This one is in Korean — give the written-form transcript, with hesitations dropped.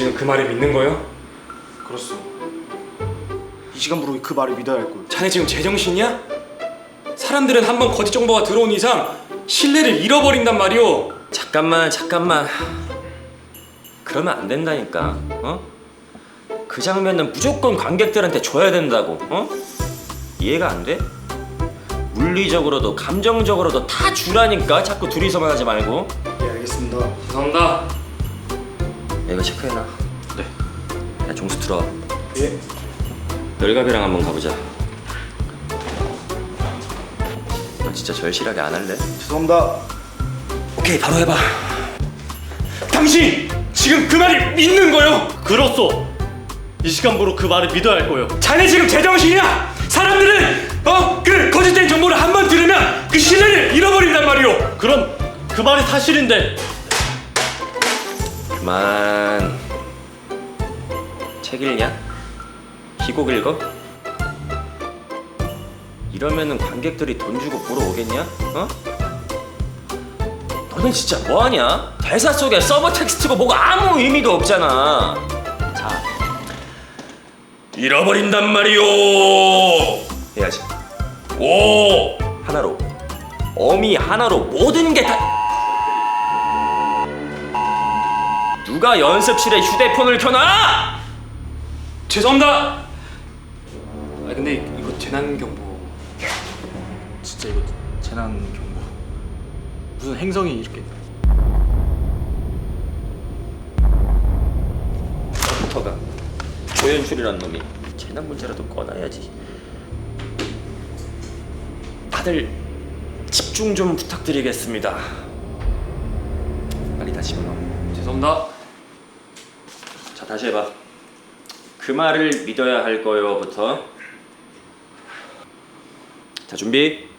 지금 그 말을 믿는 거요? 그렇소. 이 시간부로 그 말을 믿어야 할 거요. 자네 지금 제정신이야? 사람들은 한번 거짓 정보가 들어온 이상 신뢰를 잃어버린단 말이오. 잠깐만. 그러면 안 된다니까. 그 장면은 무조건 관객들한테 줘야 된다고. 이해가 안 돼? 물리적으로도 감정적으로도 다 주라니까. 자꾸 둘이서만 하지 말고. 예, 알겠습니다. 죄송합니다. 야, 이거 체크해놔. 네. 야, 종수 들어와. 예. 열갑이랑 한번 가보자. 너 진짜 절실하게 안 할래? 죄송합니다. 오케이, 바로 해봐. 당신 지금 그 말을 믿는 거요? 그렇소. 이 시간부로 그 말을 믿어야 할 거요. 자네 지금 제정신이야? 사람들은 그 거짓된 정보를 한번 들으면 그 신뢰를 잃어버린단 말이오. 그럼 그 말이 사실인데. 그만. 책 읽냐? 희곡 읽어? 이러면은 관객들이 돈 주고 보러 오겠냐? 너는 진짜 뭐하냐? 대사 속에 서브 텍스트고 뭐가 아무 의미도 없잖아. 자, 잃어버린단 말이오. 해야지. 오, 하나로. 어미 하나로 모든 게 다. 누가 연습실에 휴대폰을 켜놔? 죄송합니다. 아 근데 이거 재난 경보. 진짜 이거 재난 경보. 무슨 행성이 이렇게. 컴퓨터가 조연출이란 놈이 재난 문제라도 꺼놔야지. 다들 집중 좀 부탁드리겠습니다. 빨리 다 집어넣어. 죄송합니다. 자, 다시 해봐. 그 말을 믿어야 할 거요부터. 자, 준비.